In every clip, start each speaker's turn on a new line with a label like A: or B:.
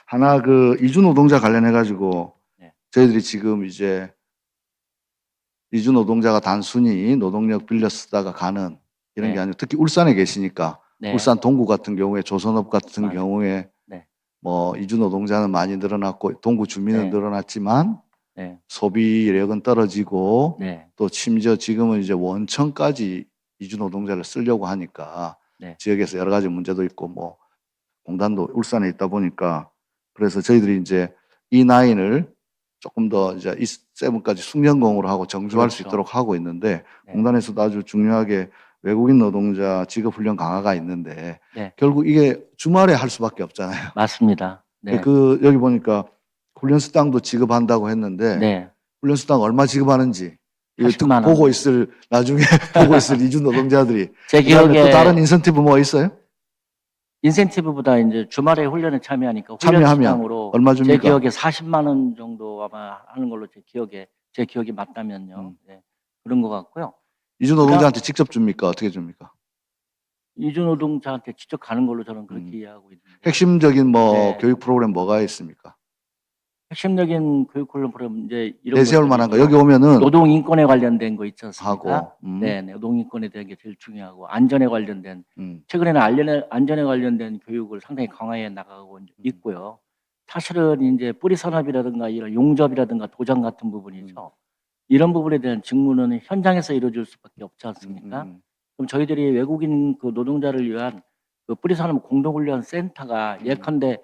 A: 하나 그 이주 노동자 관련해 가지고
B: 네.
A: 저희들이 지금 이제 이주 노동자가 단순히 노동력 빌려 쓰다가 가는 이런 게
B: 네.
A: 아니고 특히 울산에 계시니까
B: 네.
A: 울산 동구 같은 경우에 조선업 같은
B: 맞아요.
A: 경우에
B: 네.
A: 뭐 이주 노동자는 많이 늘어났고 동구 주민은
B: 네.
A: 늘어났지만
B: 네.
A: 소비력은 떨어지고
B: 네.
A: 또 심지어 지금은 이제 원천까지 이주 노동자를 쓰려고 하니까
B: 네.
A: 지역에서 여러 가지 문제도 있고 뭐 공단도 울산에 있다 보니까 그래서 저희들이 이제 이 라인을 조금 더 이제 E7까지 숙련공으로 하고 정주할 수
B: 그렇죠.
A: 있도록 하고 있는데
B: 네.
A: 공단에서도 아주 중요하게 외국인 노동자 직업훈련 강화가 있는데
B: 네.
A: 결국 이게 주말에 할 수밖에 없잖아요.
B: 맞습니다. 네.
A: 그 여기 보니까 훈련 수당도 지급한다고 했는데
B: 네.
A: 훈련 수당 얼마 지급하는지 이거
B: 40만 원.
A: 보고 있을 나중에 보고 있을 이주 노동자들이
B: 제
A: 그다음에
B: 기억에
A: 또 다른 인센티브 뭐 있어요?
B: 인센티브보다 이제 주말에 훈련에 참여하니까 훈련
A: 참여하면
B: 수당으로
A: 얼마
B: 제
A: 줍니까?
B: 기억에 40만 원 정도 아마 하는 걸로 제 기억이 맞다면요. 네. 그런 것 같고요.
A: 이주 노동자한테 직접 줍니까? 어떻게 줍니까?
B: 이주 노동자한테 직접 가는 걸로 저는 그렇게 이해하고 있는데
A: 핵심적인 뭐
B: 네.
A: 교육 프로그램 뭐가 있습니까?
B: 핵심적인 교육 프로그램 이제 이런
A: 내세울 만한 거
B: 것들이죠.
A: 여기 오면은
B: 노동 인권에 관련된 거 있지 않습니까?
A: 하고
B: 네, 노동 인권에 대한 게 제일 중요하고 안전에 관련된
A: 음.
B: 최근에는 안전에 관련된 교육을 상당히 강화해 나가고 있고요. 사실은 이제 뿌리 산업이라든가 이런 용접이라든가 도장 같은 부분이죠. 이런 부분에 대한 직무는 현장에서 이루어질 수밖에 없지 않습니까? 그럼 저희들이 외국인 그 노동자를 위한 그 뿌리 산업 공동훈련 센터가 예컨대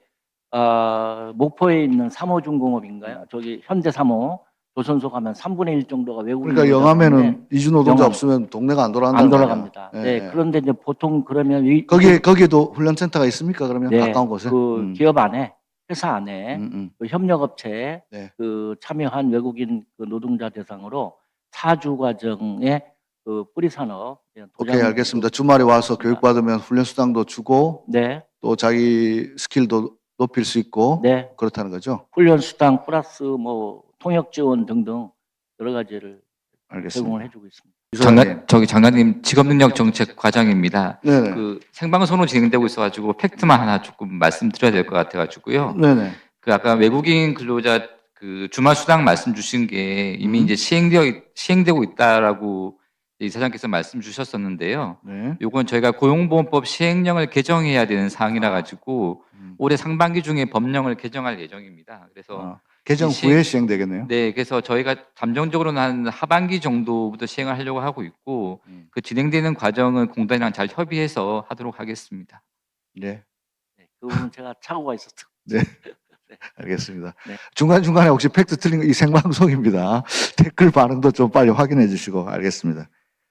B: 목포에 있는 3호 중공업인가요? 저기 현대 3호 조선소 가면 3분의 1 정도가 외국인
A: 그러니까
B: 노동자인데
A: 영암에는 이주 노동자
B: 영암.
A: 없으면 동네가 안 돌아간다.
B: 안 돌아갑니다. 네, 그런데 이제 보통 그러면
A: 거기에도 훈련센터가 있습니까? 그러면
B: 네,
A: 가까운 곳에?
B: 그 기업 안에 회사 안에 그 협력업체에
A: 네.
B: 그 참여한 외국인 그 노동자 대상으로 4주 과정의 그 뿌리 산업
A: 오케이, 알겠습니다. 주말에 와서
B: 있습니다.
A: 교육받으면 훈련 수당도 주고
B: 네,
A: 또 자기 스킬도 높일 수 있고
B: 네.
A: 그렇다는 거죠.
B: 훈련 수당 플러스 뭐 통역 지원 등등 여러 가지를
A: 알겠습니다.
B: 제공을 해주고 있습니다.
C: 장관님 직업능력 정책 과장입니다.
A: 네네.
C: 그 생방송으로 진행되고 있어가지고 팩트만 하나 조금 말씀드려야 될 것 같아가지고요.
A: 네네.
C: 그 아까 외국인 근로자 그 주말 수당 말씀 주신 게 이미 이제 시행되고 있다라고 이사장께서 말씀 주셨었는데요.
A: 네.
C: 요건 저희가 고용보험법 시행령을 개정해야 되는 사항이라 가지고 올해 상반기 중에 법령을 개정할 예정입니다. 그래서
A: 개정 후에 시행되겠네요.
C: 네, 그래서 저희가 잠정적으로는 한 하반기 정도부터 시행을 하려고 하고 있고 그 진행되는 과정은 공단이랑 잘 협의해서 하도록 하겠습니다.
A: 네.
B: 네, 그 부분 제가 착오가 있었죠.
A: 네. 알겠습니다.
B: 네.
A: 중간중간에 혹시 팩트 틀린 거 이 생방송입니다. 댓글 반응도 좀 빨리 확인해 주시고 알겠습니다.